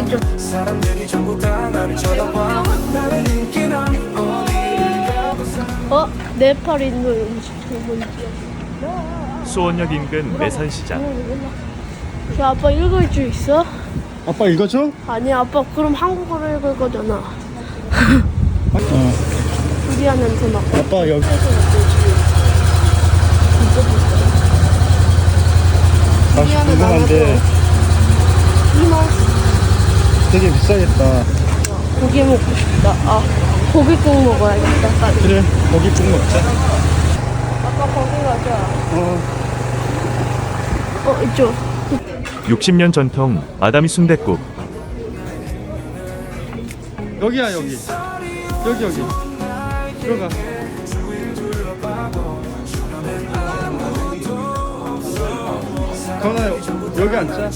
좀. 사람들이 전부 다 나를 쳐다봐. 나의 인기는 어디를 가고 네팔 인도 음식 좋은 수원역 인근 매산시장. 저 아빠 읽을 줄 있어? 아빠 읽어줘? 아니 아빠 그럼 한국어로 읽을 거잖아. 어. 두리안 냄새 맡고. 아빠 여기. 맛이 궁금한데 되게 비싸겠다. 고기 먹고 싶다. 고기국 먹어야겠다. 빨리. 그래, 고기국 먹자. 아빠 거기 가자. 이쪽. 60년 전통 아다미 순댓국. 여기야, 여기. 여기. 들어가. 가은아, 여기 앉자.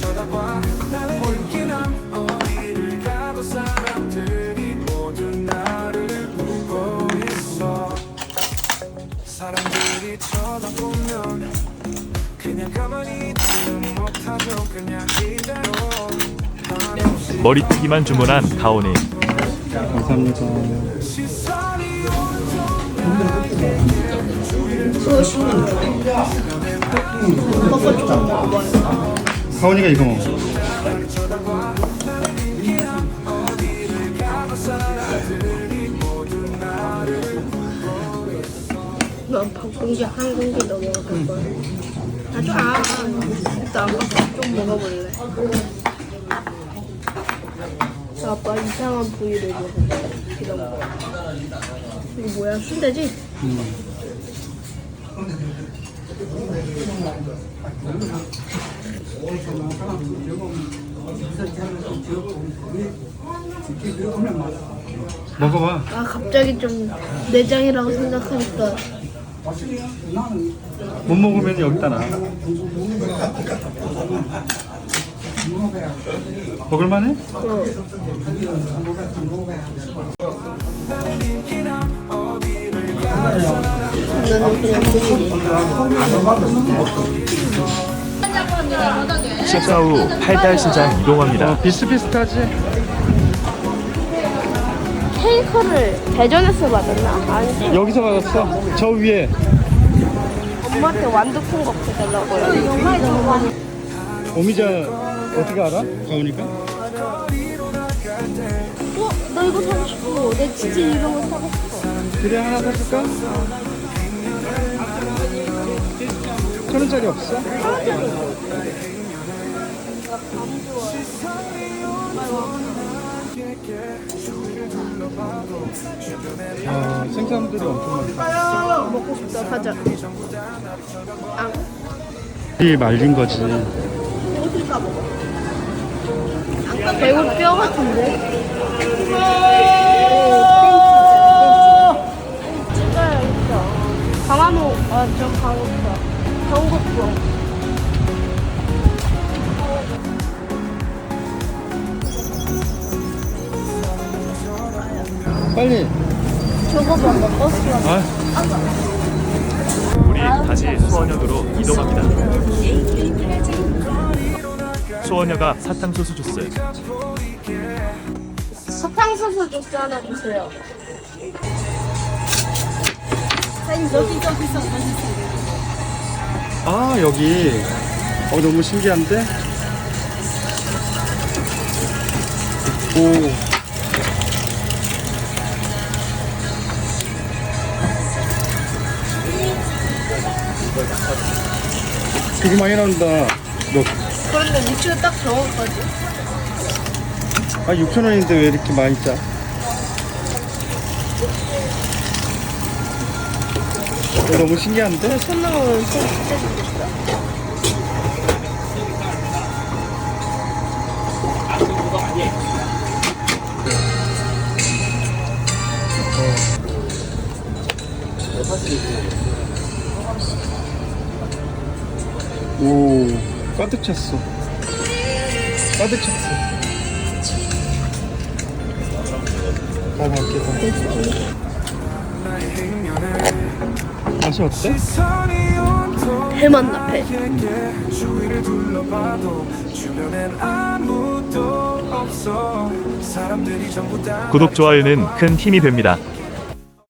사람들이 쳐다보면 그냥 가만히 있지는 못하죠. 그냥 이대로 머리튀기만 주문한 가온이. 감사합니다. 가은이가 이거 먹어. 난 밥공기 한 공기 더 먹을 거야. 일단 아빠 좀 먹어볼래. 아빠 이상한 부위를 먹어볼래. 이런 거. 이거 뭐야? 순대지? 먹어봐. 갑자기 좀 내장이라고 생각하니까. 못 먹으면 여기다 놔. 먹을만해? 나는 그냥 식사 후 팔달시장 이동합니다. 비슷비슷하지? 케이크를 대전에서 받았나? 아니지? 여기서 받았어. 저 위에. 엄마한테 완두콩 갖고 달라고요. 오미자 어떻게 알아? 가오니까? 나 이거 사고 싶어. 내 치즈 이런 거 사고 싶어. 그래, 하나 사줄까? 1,000원짜리 없어? 생선들이 엄청 많다. 먹고 싶다. 가자. 이 말린 거지. 배우 뼈 같은데? 찍어야겠다. 강화모, 저 강호뼈. 경국뼈. 빨리. 저거 봐봐, 버스가. 우리 다시 수원역으로 이동합니다. 수원역가 사탕수수 주스. 사탕수수 주스 하나 주세요. 아, 여기. 너무 신기한데? 오. 되게 많이 나온다. 그런데 위치가 딱 정확하지? 6,000원인데 왜 이렇게 많이 짜? 너무 신기한데? 손 넣으면 진짜 좋겠다. 오, 가득 찼어. 가득 찼어. 맛있게. 맛이 어때? 배만 배. 주위를 둘러봐도 주변엔 아무도 없어. 사람들이 전부 다 구독, 좋아요는 큰 힘이 됩니다.